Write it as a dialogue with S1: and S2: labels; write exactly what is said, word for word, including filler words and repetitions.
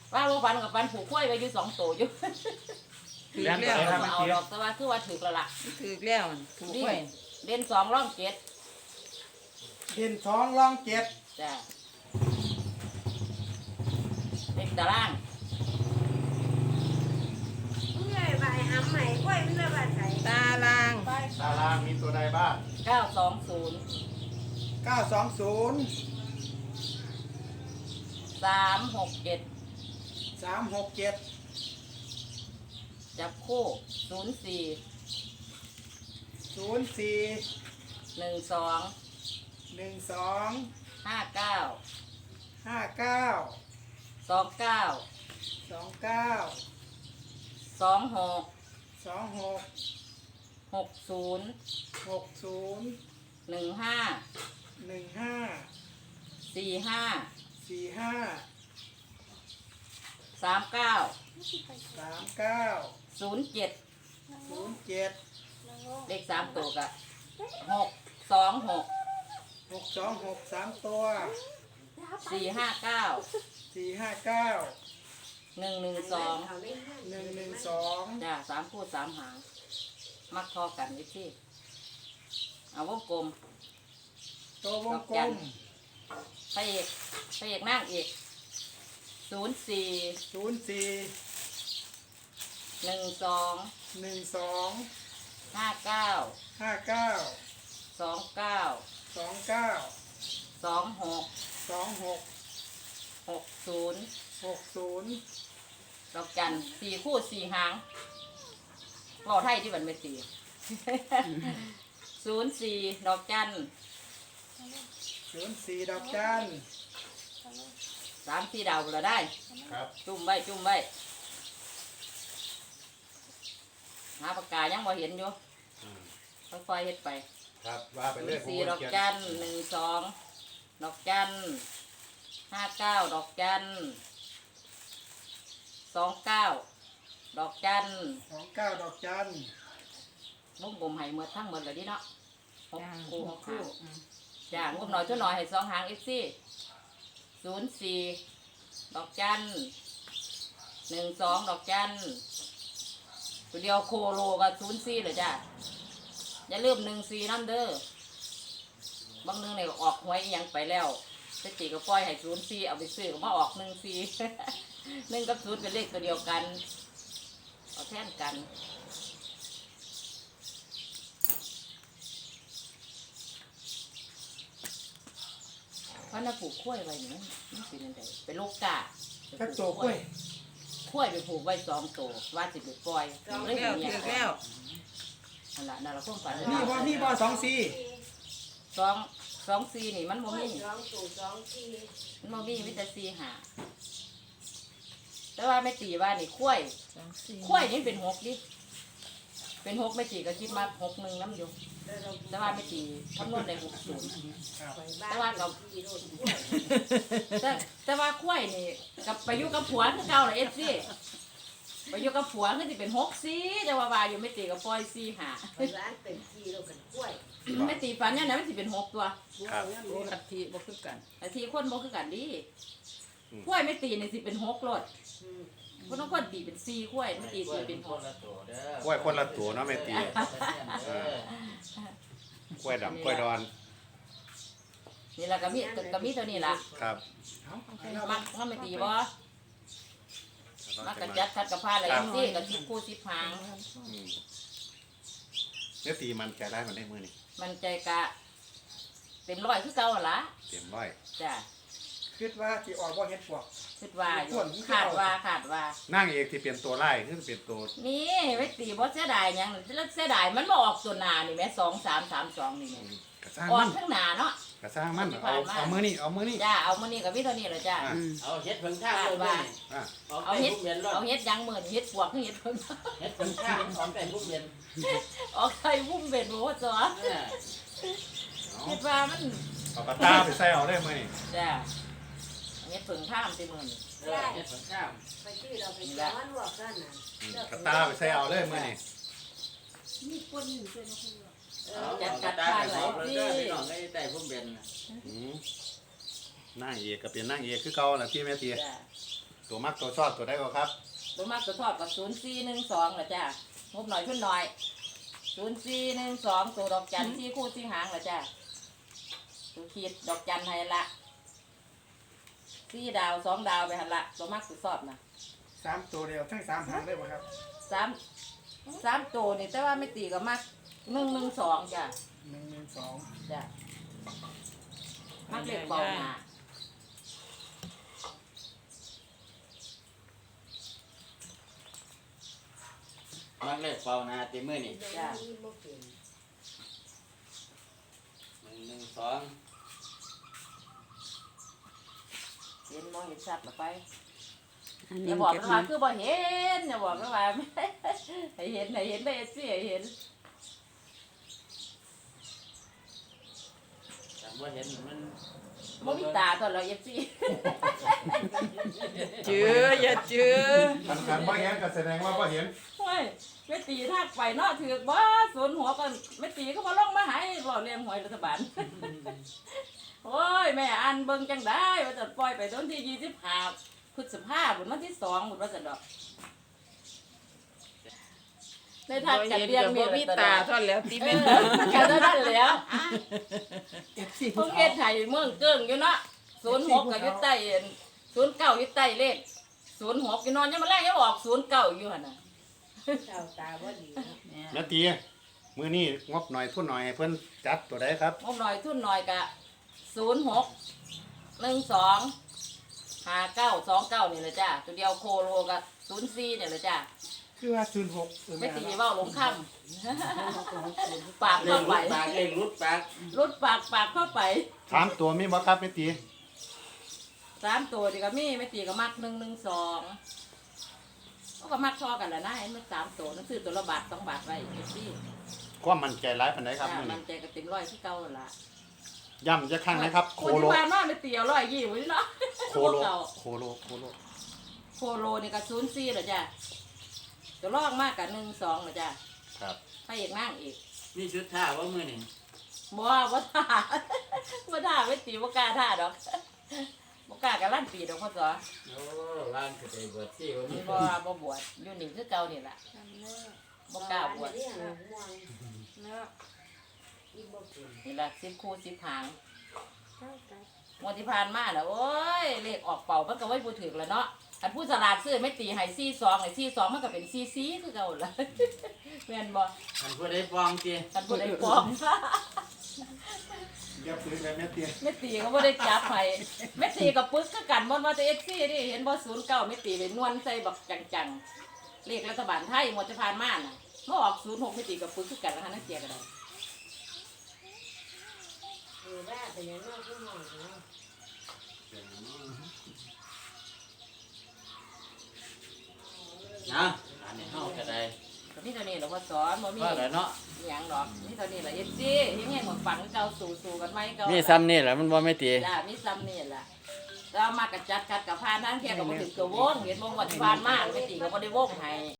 S1: ว่าบ่ฟันกับฟันผูกกล้วยไว้อยู่สองตัวอยู่
S2: ถือแล้ว
S1: เอาดอกแต่ว่าคือว่าถือแล้วล่ะ
S2: ถือแล้วถูก
S1: นี่
S2: ไว้
S1: เด่นสองร่องเจ็ด
S3: เด่นสองรองเจ็ด
S1: จ้ะเด็กตาราง
S4: เมื่อยใบหำใหม่กล้วยมันเลยว่าใส่
S2: ตาราง
S5: ตารางมีตัวใดบ้าง
S1: เก้าสองศูนย์
S3: เก้าสองศูนย์
S1: สามหกเจ็ด
S3: สามหกเจ็ด
S1: จับคู่ศูนย์สี่
S3: ศูนย์สี่
S1: หนึ่งสอง
S3: หนึ่งสอง
S1: ห้าเก้า
S3: ห้าเก้า
S1: สองเก้า
S3: สองเก้า
S1: สองหก
S3: สองหก
S1: หกศูนย์
S3: หกศูนย์
S1: หนึ่งห้า
S3: หนึ่งห้า
S1: สี่ห้า
S3: สี่ห้า
S1: สามเก้า
S3: สามเก้า
S1: ศูนย์เจ็ด
S3: ศูนย์เจ็ด
S1: เลขสามตัวกะหกสองหก
S3: หกสองหกสามตัว
S1: สี่ห้าเก้า
S3: สี่ห้าเก้า
S1: หนึ่งหนึ่งสอง
S4: เขาไม่ให้
S3: หนึ่งหนึ่งสอง
S1: จ้าสามคู่สามหาง มักทอกันวิธีเอาวงกลม
S3: ตัววงกลม
S1: พระเอกพระเอกนั่งเอกศูนย์สี่
S3: ศูนย์สี่
S1: หนึ่งสอง
S3: หนึ่งสอง
S1: ห้าเก้า
S3: ห้าเก้า
S1: สองเก้า
S3: สองเก้า
S1: สองหก
S3: สองหก
S1: หกศูนย์
S3: หกศูนย์
S1: ดอกจันสี่คู่สี่หางรอไทยที่มันไม่ตี ศูนย์สี่ดอกจัน
S3: ศูนย์สี่ดอกจัน
S1: สามสี่ดาวเราได้
S5: ครับ
S1: จุ่มไว้จุ่มไว้หาปากกายังบ่เห็นอยู่
S5: อืม
S1: ค่อยๆเฮ็ดไป
S5: ครับว่าไป
S1: ศูน
S5: เรื่อย
S1: ย์
S5: ผม
S1: สี่
S5: ก็
S1: ดอก
S5: เขียน
S1: จันหนึ่งสองดอกจันห้าเก้าดอกจันสองเก้าดอกจัน
S3: สองเก้าดอกจัน
S1: วงกลมให้หมดทั้งหมดเลยดิเนาะหก
S2: จ้า
S1: คู่หกคู่
S2: อืม
S1: จ้างบหน่อยชั่วหน่อยให้สองหางเอฟซีศูนย์สี่ดอกจันหนึ่งสองดอกจันตัวเดียวโคโลกับศูนย์สี่เลยจ้าอย่าลืมหนึ่งสี่น้ำเด้อบางหนึงเนี่ยออกหวยอิหยังไปแล้วสติก็ปล่อยให้ศูนย์สี่เอาไปซื้อก็มาออกหนึ่งสี่ หนึ่งกับศูนย์เป็นเลขตัวเดียวกันเอาแทนกันเพราะน่าปลูกกล้วยไว้นี่มันมันเป็นยังไงเป็นลูกกา
S3: จักตัวกล้วย
S1: กล้วยไปปลูกไว้สองตัวว่าสิไปปล่อย
S2: ถือ
S1: เลย
S2: แล้ว
S1: เห็น
S2: ถื
S1: อ
S2: อย่าง แล้ว
S1: นั่นแหละนั่นแหละความฝัน
S3: นี่บ่นี่บ่สองสี่
S1: สองสองสี่นี่มัน
S4: ก
S1: โม
S4: ล้วย
S1: มี
S4: สองตู่สองที
S1: มันโมมีมิตรสี่หาแต่ว่าไม่ตีว่านี่กล้วย
S2: สองสี่
S1: กล้วยนี่เป็นหกดิเป็นหกไม่ตีก็คิดมาหกหนึ่งน้ำอยู่แต่ว่าไม่ตีคำนวณได้หกศูนย์
S3: ครับ
S1: แต่ว่าเรา
S4: ทีโดนกล้วย
S1: แต่แต่ว่ากล้วยนี่กับไปอยู่กับผัวคือเก่าเลยเอฟซีไปอยู่กับผัวคือสิเป็นหกสี่แต่ว่าว่าอยู่ไม่ตีกับปล่อยสี่หา
S4: ไปร้านเป็นทีเรากันกล้วย
S1: ไม่ตีฟันเนี่ยนะมันสิเป็นหกตัว
S5: ครับ
S2: โอ้ลัทธิบ่คือกัน
S1: แต่ทีคนบ่คือกันดีกล้วยไม่ตีนี่สิเป็นหกรถ
S4: อืม
S1: คนต้องคนตีเป็นสี่กล้วยไม่ตีตีเป็นหก
S5: กล้วยคนละตัวเนาะแม่ตีเออกล้วยดำกล้วยดอน
S1: นี่แหละก็มีก็มีตัวนี้ล่ะ
S5: ครับ
S3: เอาเอาไปเอา
S1: มักมันไม่ตีบ่มักกระจัดคัดกระพาอะไรอย่างนี้ก็สิบคู่สิบหาง
S5: อืมแม่ตีมันใจได้มันได้มือนี่
S1: มันใจกะเต็มร้อยคือเก่าหั่นล่ะ
S5: เตรียมร้อย
S1: จ้ะ
S3: คิดว่าที่ออกบ่เฮ็ดพวก
S1: คิดว่าอยู่ขาดว่าขาดว่า
S5: นั่งเอกที่เปลี่ยนตัวไล่ขึ้นเปลี่ยนตัว
S1: นี่ไม่ตีบ่เสียดายหยังแล้วเสียดายมันบ่ออกตัวหน้านี่แหม่สองสามสามสองนี่แหม่
S5: กระซ้าง
S1: ออ
S5: มั
S1: ก
S5: น
S1: ข้างหน้าเนาะ
S5: กระซ้างมันเอาเอามือนี่เอามือนี่
S1: จ้าเอามื้อนี้ก็มีเท่านี้แหละจ้า
S5: อ่ะ
S2: อืม
S6: เอาเฮ็ดเพิ่งข้าวลงไป
S5: อ่ะ
S1: เอาเฮ็ด
S6: เย็นรถ
S1: เอาเฮ็ดหยังมื้อนี้เฮ็ดปวกคือเฮ็ดเพิ่น
S6: เฮ็ดเพิ่งข้าวของแต่ทุกเย็น
S1: ออกไข่วุ้มเบ็ดบ่ว่าจ้ะ
S6: เออ
S1: คิดว่ามัน
S5: เอากระตาไปใส่เอาได้มือนี่
S1: จ้าเฮ็ดเพิ่งท่ามติมื้อนี้
S6: เออเฮ็ดเพิ่งข้าว
S4: ไปที่เราไปย้อนลวกกันน่ะ
S5: อืมกระตาไปใส่เอาได้มือนี่
S4: มีคนอยู่ด้วยนะคุณเอ
S6: เอา
S4: อ
S6: จัดจัดทานเลยเด้อพี่น้องได้ได้พุ่มเบนน่ะ
S5: อืมนั่งเอกก็เป็นนั่งเอกคือเก่าแหละที่แม่ตี
S1: จ้า
S5: ตัวมักตัวชอบตัวได้ก็ครับ
S1: ตัวมากตัวทอดกับศูนย์สี่หนึ่งสองเหรอจ้างบหน่อยขึ้นหน่อยศูนย์สี่หนึ่งสองตัวดอกจันที่คู่ที่หางเหรอจ้าตัวขีดดอกจันให้ละสี่ดาวสองดาวไปหันละตัวมากตัวชอบนะ
S3: สามตัวเดียวทั้งสามหางได้ป่ะครับ
S1: สามสามตัวนี่แต่ว่าไม่ตีกับมากหนึ่งหนึ่งสองจ้ะ
S3: หนึ่งหนึ่งสอง
S1: จ้ะมากเล็กเบาหนา
S6: มักเล็กเป่านาตีมือนี่
S1: จ้ะ
S6: หนึ่งหนึ่งสอง
S1: เห็นมองเห็นชัดหรือไป
S2: อัน
S1: อ
S2: นี้
S1: ย่าบอก
S2: เก็บ
S1: ว่า
S2: มา
S1: คือบ่เห็นอย่าบอกว่าให้เห็นให้เห็นได้สิให้เห็น
S6: แต่ว่าเห็นมัน
S1: บ่มีตาตอนเราเอฟซี
S2: จื้ออย่าจื้อ
S5: คันคันพ่อเห็นก็แสดงว่าพ่อเห็น
S1: โอ้ยไม่ตีทักไปเนาะถือบ่สนหัวกันไม่ตีก็มาลงมาให้บ่เลี้ยงหวยรัฐบาล โอ้ยแม่อันเบิ่งจังได้ว่าจะปล่อยไปต้นที่ยี่สิบห้าพฤษภาคมบุญวันที่สองบุญว่าจะดอกในทาง
S2: บ่
S1: จัด
S2: เห็น
S1: เรียง
S2: กับ
S1: มี
S2: บ่มีตาเท่านั้นแล้วตี
S1: เอ
S2: เป็น
S1: อกันเท่านั้นแล้ว
S3: เอฟซี
S1: เพิ่งเฮ็ดไห้เมืองเกิ้งอยู่เนาะศูนย์หกก็อยู่ใต้ศูนย์เก้าอยู่ใต้เลขศูนย์หกอยู่นอนยังมาแรกยังออกศูนย์เก้าอยู่หั่นน่ะ
S4: เจ้าตาบ่ดีเนาะ
S5: แม่ตีมื้อนี้งบหน่อยทุนหน่อยให้เพิ่นจัดตัวใดครับ
S1: งบหน่อยทุนหน่อยกะศูนย์หกหนึ่งสองห้าเก้าสองเก้านี่แหละจ้าตัวเดียวโคโลกะศูนย์สี่เนี่ยแหละจ้า
S3: คือว่าศูนย์หก
S1: ไม่ตีเว่าหลงคำ ปาก
S6: เล่
S1: เข้าง ไป
S6: รุดปากเล่งรุดปาก
S1: รุดปากปากเข้าไป
S5: ถามตัวมีบ่ครับแม่ตี
S1: สามตัวดีก็มีไม่ตีก็มักหนึ่งหนึ่งสองเขาก็มักชอกันแหละนะเห็นไหมสามตัวนั่นซื้อตัวละบาทสองบาทไว้เอฟซี
S5: ความมั่นใจหลายปานใดครับ
S1: จ้า
S5: มื้อ
S1: มั
S5: นี้
S1: นใจก็เต็มร้อยที่เก่าหั่นละ
S5: ย้ำจะครั้งนะครับ โค
S1: คน
S5: โล
S1: ที่บ้านว่าไม่ตีเอาร้อยยี่ไว้เนาะ
S5: โคโล
S1: เก่า
S5: โคโลโคโล
S1: โคโลนี่ก็ศูนย์สี่เหรอจ้าตัวลอกมากกับหนึ่งสองเหรอจ้า
S5: ครับ
S1: พระเอกนั่งอีก
S6: นี่ชุดท่าว่ามือนี่
S1: บ่ว่าบ่ท่า บ่ท่าไม่ตีบ่กล้าท่าดอก บ่กล้ากับลั่นปีดอกพ่อสอ
S6: โอ้ร้านกระเตยบวชที่ว่ามี
S1: นี่บ่บ่บวชอยู่นี่คือเก่านี่ล่ะ
S4: จำเนาะ
S1: บ่กล้าบวช
S4: เนาะม่วงเนาะอีบ่เป็น
S1: นี่ล่ะสิบคู่สิบหาง
S4: เจ้าตา
S1: งวดที่ผ่านมาน่ะโอ้ยเลขออกเป่ามันก็ไว้บ่ถึกแล้วเนาะอันผู้สลาดซื้อไม่ตีให้สี่สองไอ้สี่สองมันก็เป็นสี่สี่คือเก่าล่ะ แม่นบ่
S6: มันพูดได้ฟองจี
S1: คันบ่ได้ฟ้อง
S5: อย่าปืนเลยแม่ตี
S1: แม่ตีก็บ่ได้จับให้แม่ตีกับปึ๊กคือกันบ่ว่าแต่ เอฟ ซี นี่เห็นบ่ศูนย์เก้าแม่ตีเป็นนวลใส่บักจังๆเลขรัฐบาลไทยงวดที่ผ่านมาน่ะเมื่อออกศูนย์หกแม่ตีกับปึ๊กคือกันนะคะนั่นเสียก็ได้
S4: เออว่าเป็นอย่างน้อยผู้น้อยเนาะ
S6: นะอันนี้เฮาก็ได้
S1: ก็มีเท่านี้หลวงพ่อสอนบ่มี
S6: ว่าแล้วเนาะ
S1: อหย่างดอกมีเท่านี้แหละ เอฟ ซี ยังไงหมดฝังเก่าสู่ๆกันไหมเก่า
S6: มีซ้ำนี่แหละมันว่าไม่ตี
S1: จ้ามีซ้ำนี่แหละแล้วมากระจัดกัดกับพานทั้งเที่ยก็บ่ถึงตัววงเห็นบ่งวดที่ผ่านมาแม่ตีก็บ่ได้วงให้